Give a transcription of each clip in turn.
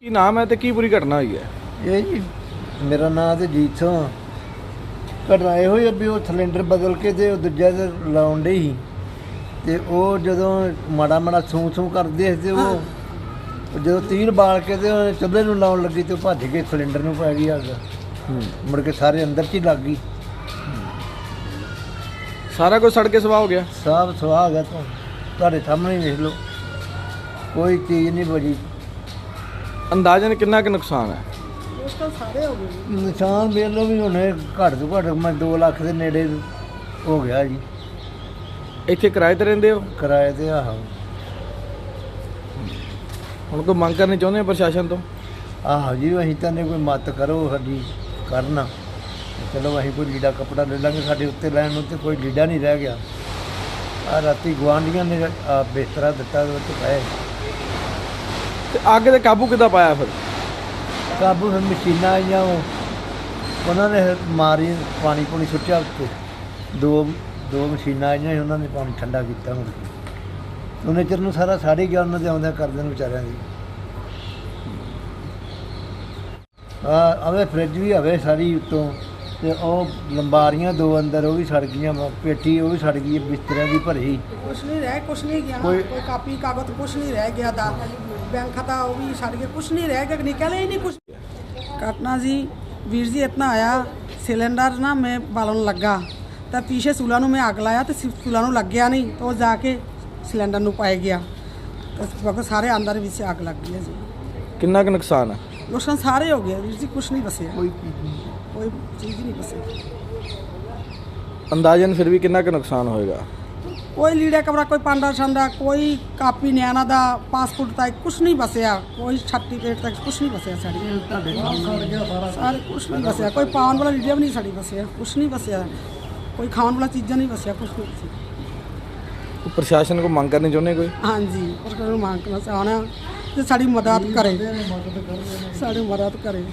ਕੀ ਨਾਮ ਹੈ ਤੇ ਕੀ ਪੂਰੀ ਘਟਨਾ ਹੋਈ ਹੈ? ਇਹ ਜੀ ਮੇਰਾ ਨਾਮ ਤੇ ਜੀਤ ਸਿੰਘ ਆ। ਘਟਨਾ ਇਹੋ ਹੀ ਆ ਵੀ ਉਹ ਸਿਲੰਡਰ ਬਦਲ ਕੇ ਤੇ ਉਹ ਦੂਜਾ ਤੇ ਲਾਉਣ ਡਈ ਸੀ ਤੇ ਉਹ ਜਦੋਂ ਮਾੜਾ ਮਾੜਾ ਸੂੰ ਕਰਦੇ ਸੀ ਤੇ ਉਹ ਜਦੋਂ ਤੀਰ ਬਾਲ ਕੇ ਤੇ ਉਹ ਚੁੱਲ੍ਹੇ ਨੂੰ ਲਾਉਣ ਲੱਗੀ ਤੇ ਉਹ ਭੱਜ ਕੇ ਸਿਲੰਡਰ ਨੂੰ ਪੈ ਗਈ ਅੱਗ। ਮੁੜ ਕੇ ਸਾਰੇ ਅੰਦਰ 'ਚ ਹੀ ਲੱਗ ਗਈ। ਸਾਰਾ ਕੁਝ ਸੜ ਕੇ ਸਵਾਹ ਹੋ ਗਿਆ। ਸਭ ਸੁਆਹ ਗਿਆ ਤੁਹਾਡੇ ਸਾਹਮਣੇ ਹੀ ਵੇਖ ਲਓ, ਕੋਈ ਚੀਜ਼ ਨਹੀਂ ਬਚੀ। ਅੰਦਾਜ਼ਨ ਕਿੰਨਾ ਕੁ ਨੁਕਸਾਨ ਹੈ? ਨਿਸ਼ਾਨ ਵੇਖ ਲਓ ਵੀ ਹੁਣ ਘੱਟ ਤੋਂ ਘੱਟ ਮੈਂ 2 ਲੱਖ ਦੇ ਨੇੜੇ ਹੋ ਗਿਆ ਜੀ। ਇੱਥੇ ਕਿਰਾਏ ਤੇ ਰਹਿੰਦੇ ਹੋ? ਕਿਰਾਏ ਤੇ ਆਹੋ। ਹੁਣ ਕੋਈ ਮੰਗ ਕਰਨੀ ਚਾਹੁੰਦੇ ਹੋ ਪ੍ਰਸ਼ਾਸਨ ਤੋਂ? ਆਹੋ ਜੀ ਅਸੀਂ ਤਾਂ ਕੋਈ ਮਦਦ ਕਰੋ ਸਾਡੀ ਕਰਨਾ। ਚਲੋ ਅਸੀਂ ਕੋਈ ਲੀੜਾ ਕੱਪੜਾ ਲੈ ਲਾਂਗੇ, ਸਾਡੇ ਉੱਤੇ ਲੈਣ ਨੂੰ ਤੇ ਕੋਈ ਲੀੜਾ ਨਹੀਂ ਰਹਿ ਗਿਆ। ਆ ਰਾਤੀ ਗੁਆਂਢੀਆਂ ਨੇ ਬਿਸਤਰਾ ਦਿੱਤਾ ਉਹਦੇ ਵਿੱਚ ਪਏ। ਤੇ ਅੱਗ ਤੇ ਕਾਬੂ ਕਿੱਦਾਂ ਪਾਇਆ ਫਿਰ? ਕਾਬੂ ਫਿਰ ਮਸ਼ੀਨਾਂ ਆਈਆਂ, ਉਹਨਾਂ ਨੇ ਮਾਰੀ ਪਾਣੀ ਪੂਣੀ ਸੁੱਟਿਆ ਉੱਤੇ। ਦੋ ਮਸ਼ੀਨਾਂ ਆਈਆਂ ਸੀ, ਉਹਨਾਂ ਨੇ ਪਾਣੀ ਠੰਡਾ ਕੀਤਾ। ਮੁੜ ਕੇ ਉਹਨੇ ਚਿਰ ਨੂੰ ਸਾਰਾ ਸਾੜ ਹੀ ਗਿਆ ਉਹਨਾਂ ਦੇ ਆਉਂਦਿਆਂ ਕਰਦਿਆਂ ਵਿਚਾਰਿਆਂ ਦੀ। ਆਵੇ ਫਰਿੱਜ ਵੀ ਆਵੇ ਸਾਰੀ ਉੱਤੋਂ, ਤੇ ਉਹ ਲੰਬਾਰੀਆਂ 2 ਅੰਦਰ ਉਹ ਵੀ ਸੜ ਗਈਆਂ, ਪੇਟੀ ਉਹ ਵੀ ਸੜ ਗਈ, ਬਿਸਤਰਿਆਂ ਦੀ ਭਰੀ। ਕੁਛ ਨਹੀਂ ਗਿਆ, ਕੋਈ ਕਾਪੀ ਕਾਗਜ਼ ਕੁਛ ਨਹੀਂ ਰਹਿ ਗਿਆ ਦਾ बैंक खाता वो भी सड़ गया, कुछ नहीं रह गया, निकले ही नहीं कुछ। घटना जी वीर जी इतना आया सिलेंडर ना मैं बालन लगा तो पीछे चूल्हा में अग लाया तो चूल्हा लग गया नहीं तो जाके सिलेंडर पाई गया तो सारे अंदर भी अग लग गई जी। कितना का नुकसान है? नुकसान सारे हो गया वीर जी, कुछ नहीं बचे, कोई चीज़ ही नहीं बची। अंदाजन फिर भी कितना का नुकसान होएगा? कोई लीड़ा कपड़ा, कोई पांडा छंडा, कोई कापी न्याना दा पासपोर्ट तक कुछ नहीं बसया, कोई सर्टिफिकेट तक कुछ नहीं बसया साड़ी सारे कुछ नहीं बसया, कोई पावन वाला लीड़ा भी नहीं साड़ी बसया, कुछ नहीं बसया, कोई खाने वाला चीज़ा नहीं बसया, कुछ नहीं बसया। प्रशासन को मांग करनी चाਹੁੰਦੇ ਕੋਈ? हाँ जी प्रशासन मांग करना चाहना कि साड़ी मदद करे, साड़ी मदद करे।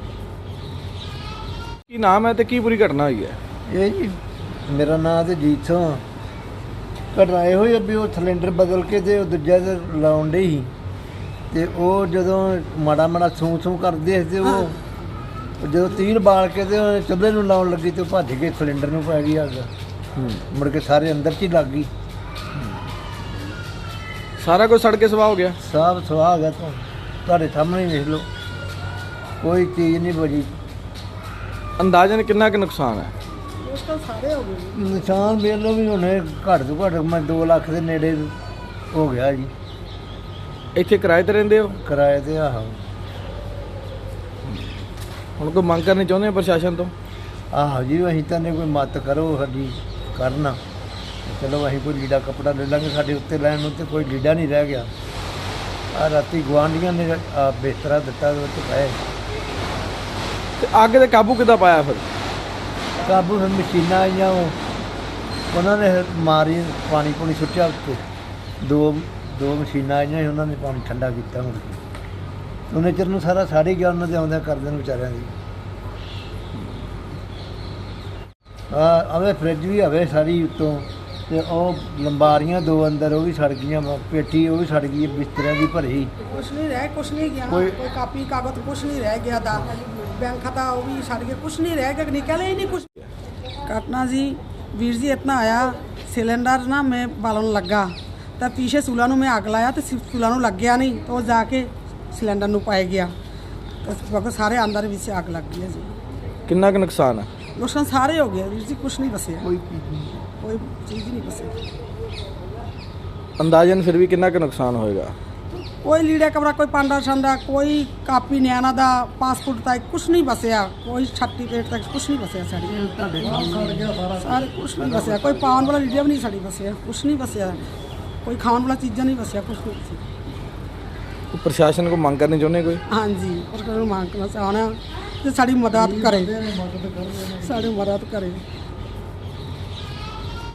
ਕੀ ਨਾਮ ਹੈ ਤੇ ਕੀ ਪੂਰੀ ਘਟਨਾ ਹੋਈ ਹੈ? ਇਹ ਜੀ ਮੇਰਾ ਨਾਮ ਤੇ ਜੀਤ ਸਿੰਘ ਆ। ਘਟਨਾ ਇਹੋ ਹੀ ਆ ਵੀ ਉਹ ਸਿਲੰਡਰ ਬਦਲ ਕੇ ਤੇ ਉਹ ਦੂਜਾ ਤੇ ਲਾਉਣ ਡਈ ਸੀ ਤੇ ਉਹ ਜਦੋਂ ਮਾੜਾ ਮਾੜਾ ਸੂੰ ਕਰਦੇ ਸੀ ਤੇ ਉਹ ਜਦੋਂ ਤੀਰ ਬਾਲ ਕੇ ਤੇ ਉਹ ਚੁੱਲ੍ਹੇ ਨੂੰ ਲਾਉਣ ਲੱਗੀ ਤੇ ਉਹ ਭੱਜ ਕੇ ਸਿਲੰਡਰ ਨੂੰ ਪੈ ਗਈ ਅੱਗ। ਮੁੜ ਕੇ ਸਾਰੇ ਅੰਦਰ 'ਚ ਹੀ ਲੱਗ ਗਈ। ਸਾਰਾ ਕੁਝ ਸੜ ਕੇ ਸਵਾਹ ਹੋ ਗਿਆ। ਸਭ ਸੁਆਹ ਗਿਆ ਤੁਹਾਡੇ ਸਾਹਮਣੇ ਹੀ ਵੇਖ ਲਓ, ਕੋਈ ਚੀਜ਼ ਨਹੀਂ ਬਚੀ। ਅੰਦਾਜ਼ਨ ਕਿੰਨਾ ਕੁ ਨੁਕਸਾਨ ਹੈ? ਨਿਸ਼ਾਨ ਵੇਖ ਲਓ ਵੀ ਹੁਣ ਘੱਟ ਤੋਂ ਘੱਟ ਮੈਂ 2 ਲੱਖ ਦੇ ਨੇੜੇ ਹੋ ਗਿਆ ਜੀ। ਇੱਥੇ ਕਿਰਾਏ ਤੇ ਰਹਿੰਦੇ ਹੋ? ਕਿਰਾਏ ਤੇ ਆਹੋ। ਹੁਣ ਕੋਈ ਮੰਗ ਕਰਨੀ ਚਾਹੁੰਦੇ ਹੋ ਪ੍ਰਸ਼ਾਸਨ ਤੋਂ? ਆਹੋ ਜੀ ਅਸੀਂ ਤਾਂ ਕੋਈ ਮਦਦ ਕਰੋ ਸਾਡੀ ਕਰਨਾ। ਚਲੋ ਅਸੀਂ ਕੋਈ ਲੀੜਾ ਕੱਪੜਾ ਲੈ ਲਾਂਗੇ, ਸਾਡੇ ਉੱਤੇ ਲੈਣ ਨੂੰ ਤੇ ਕੋਈ ਲੀੜਾ ਨਹੀਂ ਰਹਿ ਗਿਆ। ਆ ਰਾਤੀ ਗੁਆਂਢੀਆਂ ਨੇ ਬਿਸਤਰਾ ਦਿੱਤਾ ਉਹਦੇ ਵਿੱਚ ਪਏ। ਤੇ ਅੱਗ ਤੇ ਕਾਬੂ ਕਿੱਦਾਂ ਪਾਇਆ ਫਿਰ? ਕਾਬੂ ਫਿਰ ਮਸ਼ੀਨਾਂ ਆਈਆਂ, ਉਹਨਾਂ ਨੇ ਮਾਰੀ ਪਾਣੀ ਪੂਣੀ ਸੁੱਟਿਆ ਉੱਤੇ। ਦੋ ਮਸ਼ੀਨਾਂ ਆਈਆਂ ਸੀ, ਉਹਨਾਂ ਨੇ ਪਾਣੀ ਠੰਡਾ ਕੀਤਾ। ਮੁੜ ਕੇ ਉਹਨੇ ਚਿਰ ਨੂੰ ਸਾਰਾ ਸਾੜ ਹੀ ਗਿਆ ਉਹਨਾਂ ਦੇ ਆਉਂਦਿਆਂ ਕਰਦਿਆਂ ਵਿਚਾਰਿਆਂ ਦੀ। ਆਵੇ ਫਰਿੱਜ ਵੀ ਆਵੇ ਸਾਰੀ ਉੱਤੋਂ, ਤੇ ਉਹ ਲੰਬਾਰੀਆਂ 2 ਅੰਦਰ ਉਹ ਵੀ ਸੜ ਗਈਆਂ, ਪੇਟੀ ਉਹ ਵੀ ਸੜ ਗਈ, ਬਿਸਤਰਿਆਂ ਦੀ ਭਰੀ। कुछ नहीं गया, कोई कापी कागज कुछ नहीं रह गया दा बैंक खाता वो भी सड़ गया, कुछ नहीं रह गया, निकले ही नहीं कुछ। घटना जी वीर जी इतना आया सिलेंडर ना मैं बालन लगा तो पीछे चूल्हा में अग लाया तो चूल्हा लग गया नहीं तो जाके सिलेंडर पाई गया तो सारे अंदर भी अग लग गई जी। कितना का नुकसान है? नुकसान सारे हो गया वीर जी, कुछ नहीं बचे, कोई चीज़ ही नहीं बची। अंदाजन फिर भी कितना का नुकसान होएगा? कोई लीड़ा कपड़ा, कोई पांडा छंडा, कोई कापी न्याना दा पासपोर्ट तक कुछ नहीं बसया, कोई सर्टिफिकेट तक कुछ नहीं बसया साड़ी सारे कुछ नहीं बसया, कोई पावन वाला लीड़ा भी नहीं साड़ी बसया, कुछ नहीं बसया, कोई खाने वाला चीज़ा नहीं बसया, कुछ नहीं बसया। प्रशासन को मांग करनी चाਹੁੰਦੇ ਕੋਈ? हाँ जी प्रशासन मांग करना चाहना कि साड़ी मदद करे, साड़ी मदद करे।